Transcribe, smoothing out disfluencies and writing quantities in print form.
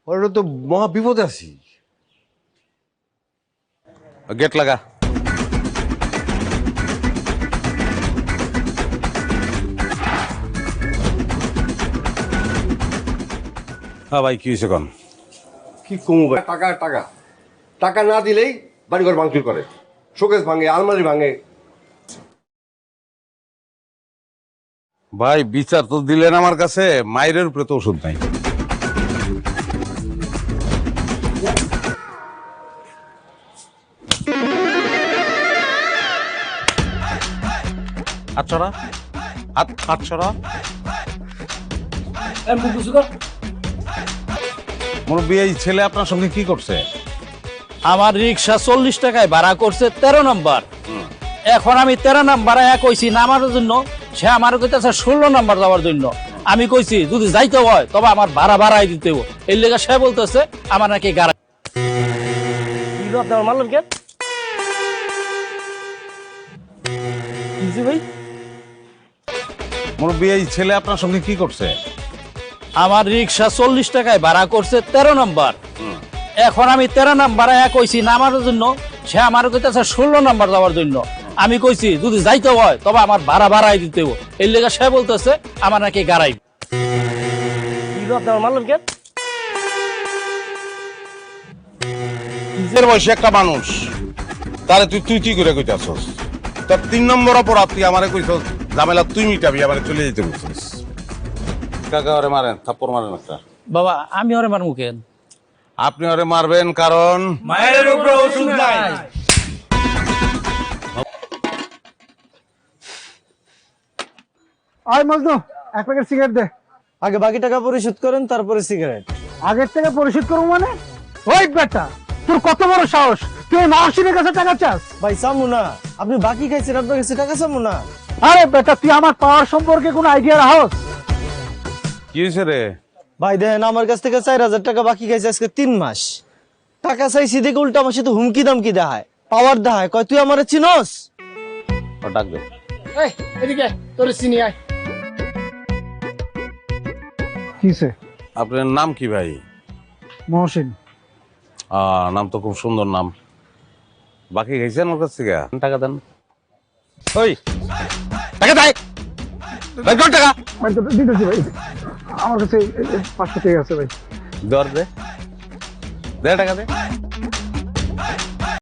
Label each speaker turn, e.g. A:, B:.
A: ওরা তো মহা বিপদে আছি।
B: গেট লাগা। হ্যাঁ ভাই, কি হয়েছে কোন?
A: কি কমু ভাই, টাকা টাকা টাকা না দিলেই বাড়িঘর ভাঙচুর করে, শোকেস ভাঙে, আলমারি ভাঙে।
B: ভাই বিচার তো দিলেন আমার কাছে, মায়ের উপরে তো ওষুধ নাই। হাতছড়া, হাতছড়া। মুরব্বী, এই ছেলে আপনার সঙ্গে কি করছে?
C: আমার রিক্সা 40 টাকায় ভাড়া করছে 13 নম্বর। এখন আমি 13 নাম্বার কইছি নামার জন্য, সে আমার কইতেছে 16 নাম্বার যাওয়ার জন্য। আমি কইছি যদি যাইতে হয় তবে আমার ভাড়া বাড়াই দিতে হবে। এই লেগে সে বলতেছে আমার নাকি গাড়ি মারলেন কে ভাই?
B: মুরব্বী, এই ছেলে আপনার সঙ্গে কি করছে?
C: আমার রিক্সা 40 টাকায় ভাড়া করছে 13 নম্বর। এখন আমি 13 নাম্বার কইছি নামার জন্য, সে আমার কইতেছে 16 নাম্বার যাওয়ার জন্য। আমি কইছি যদি যাইতে হয় তবে আমার ভাড়া বাড়াই দিতে হবে। এই লেগে সে বলতেছে আমার নাকি গাড়াই মারলেন কে?
B: নিজের বয়সে একটা মানুষ, তাহলে তুই তুই তুই করে কইতাছস। তোর 3 নম্বর অপরাধ, তুই আমারে কইছস ঝামেলা তুই মিটাবি, আমারে চলে যেতে বলছিস। কাকা ওরে মারেন, থাপ্পড় মারেন একটা।
C: বাবা আমি ওরে মারমু কেন?
B: আপনি ওরে মারবেন কারণ
C: মায়ের উপরে ওষুধ নাই।
D: আয় মজনু, এক প্যাকেট সিগারেট দে।
E: আগে বাকি টাকা পরিশোধ করেন, তারপরে সিগারেট।
D: আগের থেকে পরিশোধ করবো মানে? ওই বেটা, তোর কত বড় সাহস, তুই মহসিনের কাছে টাকা চাস?
E: ভাই চামু না, আপনি বাকি খাইছেন, আপনার কাছে টাকা চামু না।
D: আরে বেটা, তুই আমার পাওয়ার সম্পর্কে কোনো আইডিয়া রাখস?
B: কি হয়েছে রে?
E: ভাই দেখেন, আমার কাছ থেকে 4000 টাকা বাকি খাইছে আজকে 3 মাস। টাকা চাইছি দেখে উল্টা আমার সাথে হুমকি দামকি দেখায়, পাওয়ার দেখায়, কয় তুই আমারে চিনস?
B: ও ডাক দে।
D: এই এদিকে, তোর চিনি আয়। কিসে?
B: আপনার নাম কি ভাই?
D: মহসিন।
B: নাম তো খুব সুন্দর নাম। বাকি খাইছেন ওর কাছ থেকে? টাকা দেন। ওই টাকা দেয়, বের কর টাকা।
D: ভাই তো দিতেছি ভাই, আমার কাছে 500 টাকা আছে ভাই।
B: দর দে, দে টাকা দে।